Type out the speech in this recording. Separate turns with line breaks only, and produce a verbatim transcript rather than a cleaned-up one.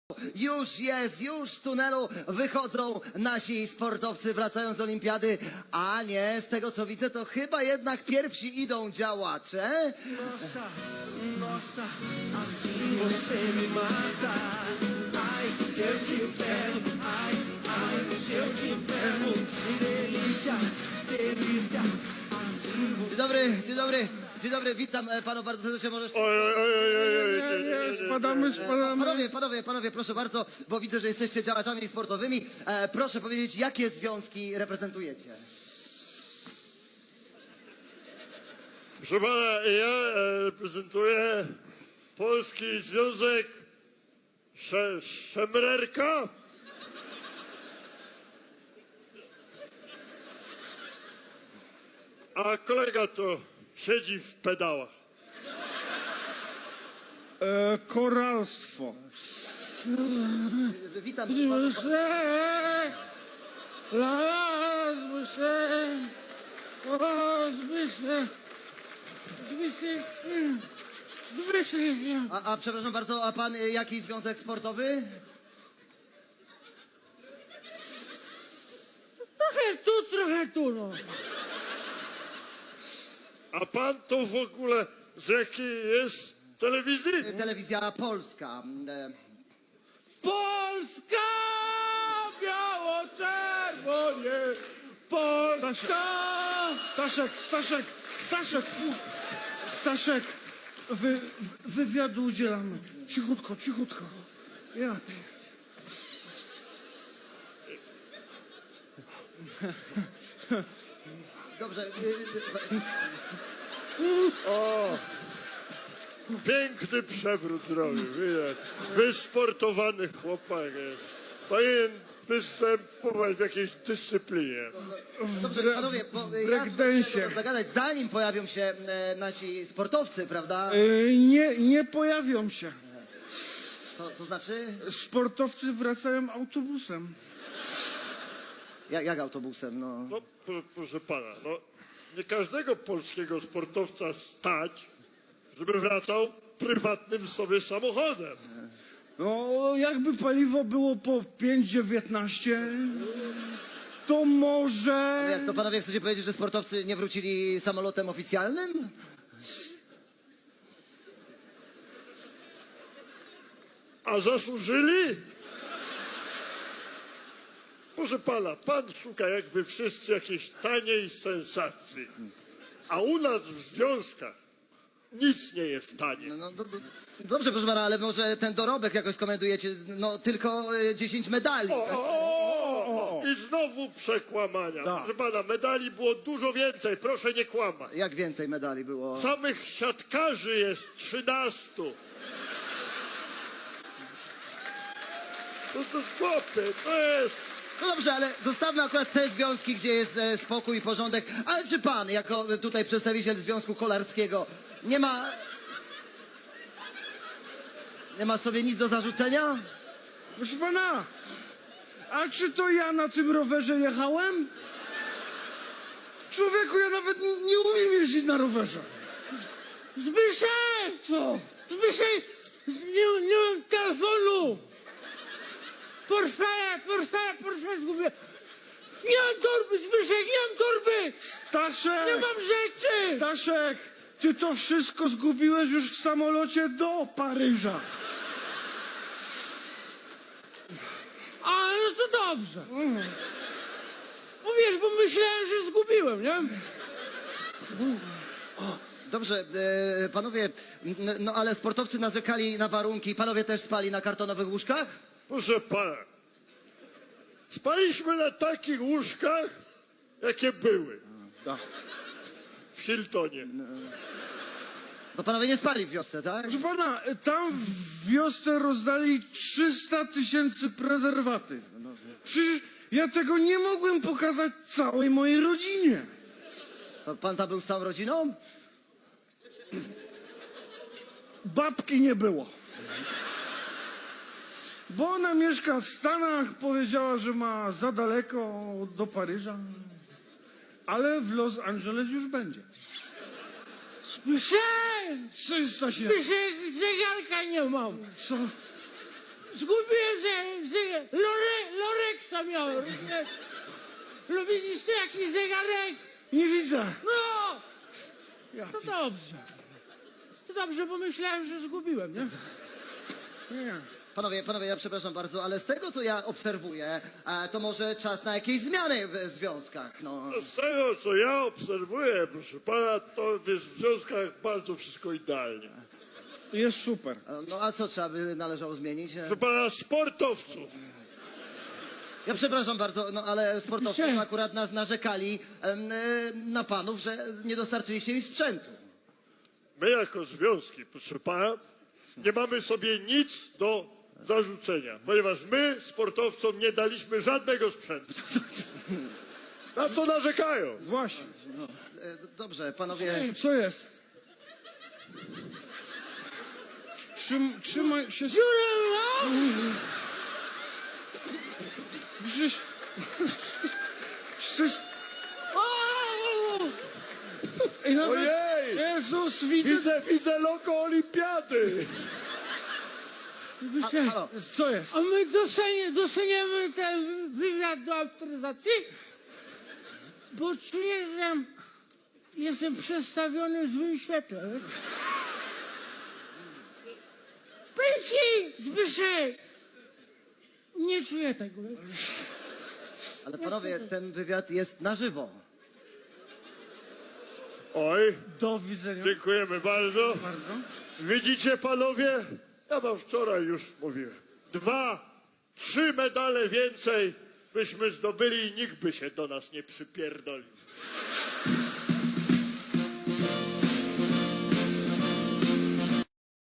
Już jest, już z tunelu wychodzą nasi sportowcy, wracają z olimpiady, a nie, z tego co widzę, to chyba jednak pierwsi idą działacze.
Nossa, nossa, assim você me mata. Ai, se eu te pego, ai, ai, se eu te pego. Delícia, delícia, assim você...
Dzień dobry, dzień dobry, dzień dobry, witam e, panów bardzo serdecznie, możesz...
Oj, oj, oj, oj, oj, oj,
Nie,
oj,
nie, spadamy, spadamy.
Panowie, panowie, panowie, proszę bardzo, bo widzę, że jesteście działaczami sportowymi. E, proszę powiedzieć, jakie związki reprezentujecie?
Proszę pana, ja e, reprezentuję Polski Związek Sze, Szemrerka. A kolega to siedzi w pedałach.
E, koralstwo.
E, Witam.
Zbysze, la, la, zbysze, o, zbysze, zbysze, mm, zbysze.
A, a przepraszam bardzo, a pan e, jaki związek sportowy?
Trochę tu, trochę tu, no.
A pan to w ogóle z jakiej jest telewizji?
E, Telewizja Polska. E,
Polska, biało-czerwonie, Polska. Staszek, Staszek, Staszek, Staszek, wy, wy, wywiadu udzielamy. Cichutko, cichutko. Ja pier-
Dobrze. e,
Piękny przewrót zrobił, widać. Wysportowany chłopak jest. Powinien występować w jakiejś dyscyplinie.
Dobrze, panowie, bo e, ja
breakdance'ie.
chciałem zagadać, zanim pojawią się e, nasi sportowcy, prawda?
E, nie, nie pojawią się.
To, to znaczy?
Sportowcy wracają autobusem.
Jak, jak autobusem, no.
No, pro, proszę pana, no, nie każdego polskiego sportowca stać, żeby wracał prywatnym sobie samochodem.
No, jakby paliwo było po pięć dziewiętnaście, to może...
Jak to panowie chcecie powiedzieć, że sportowcy nie wrócili samolotem oficjalnym?
A zasłużyli? Proszę pana, pan szuka jak wy wszyscy jakiejś taniej sensacji. A u nas w związkach nic nie jest tanie.
No, no, do, do, dobrze, proszę pana, ale może ten dorobek jakoś skomentujecie, no tylko e, dziesięć medali.
O, o, o, o. I znowu przekłamania. Proszę pana, medali było dużo więcej, proszę nie kłamać.
Jak więcej medali było?
Samych siatkarzy jest trzynastu. To to chłopie, to jest...
No dobrze, ale zostawmy akurat te związki, gdzie jest e, spokój i porządek. Ale czy pan, jako tutaj przedstawiciel Związku Kolarskiego, nie ma... Nie ma sobie nic do zarzucenia?
Proszę pana, a czy to ja na tym rowerze jechałem? Człowieku, ja nawet nie, nie umiem jeździć na rowerze. Zbyszek! Co? Zbyszek! Nie, nie mam telefonu! Portfele, portfele, portfele zgubię! Nie mam torby, Zbyszek, nie mam torby! Staszek! Nie mam rzeczy! Staszek, ty to wszystko zgubiłeś już w samolocie do Paryża. A, no to dobrze. No wiesz, bo myślałem, że zgubiłem, nie?
Dobrze, e, panowie, n- no ale sportowcy narzekali na warunki. Panowie też spali na kartonowych łóżkach?
Proszę pana, spaliśmy na takich łóżkach, jakie były w Hiltonie.
To panowie nie spali w wiosce, tak?
Proszę pana, tam w wiosce rozdali trzysta tysięcy prezerwatyw. Przecież ja tego nie mogłem pokazać całej mojej rodzinie.
To pan tam był z całą rodziną?
Babki nie było. Bo ona mieszka w Stanach, powiedziała, że ma za daleko do Paryża. Ale w Los Angeles już będzie. Słyszałem! trzysta się.
Zegarka nie mam.
Co? zgubiłem, że, że Lore, Loreksa miałem. rozumiesz? No widzisz tu jakiś zegarek? Nie widzę. No! To dobrze. To dobrze, bo myślałem, że zgubiłem, nie? Nie.
Panowie, panowie, ja przepraszam bardzo, ale z tego, co ja obserwuję, e, to może czas na jakieś zmiany w związkach, no.
Z tego, co ja obserwuję, proszę pana, to jest w związkach bardzo wszystko idealnie.
Jest super.
E, No a co trzeba by należało zmienić? E,
Proszę pana, sportowców.
Ja przepraszam bardzo, no ale sportowcy
Gdzie?
akurat nas narzekali em, e, na panów, że nie dostarczyliście im sprzętu.
My jako związki, proszę pana, nie mamy sobie nic do zarzucenia, ponieważ my sportowcom nie daliśmy żadnego sprzętu. Na co narzekają?
Właśnie.
E, Dobrze, panowie,
Ej, co jest? Trzym, trzymaj się... Przecież... Przecież... Ej, nawet...
Ojej!
Jezus, widzę...
Widzę, widzę logo olimpiady.
Wiecie,
halo.
co jest? A my dostanie, dostaniemy ten wywiad do autoryzacji? Bo czuję, że jestem przedstawiony w złym świetle. wiesz? Powiem ci, Zbyszek, nie czuję tego. wiesz?
ale panowie, ten wywiad jest na żywo.
Oj,
Do widzenia.
dziękujemy bardzo.
Bardzo.
Widzicie panowie? Ja wam wczoraj już mówiłem. Dwa, trzy medale więcej byśmy zdobyli i nikt by się do nas nie przypierdolił.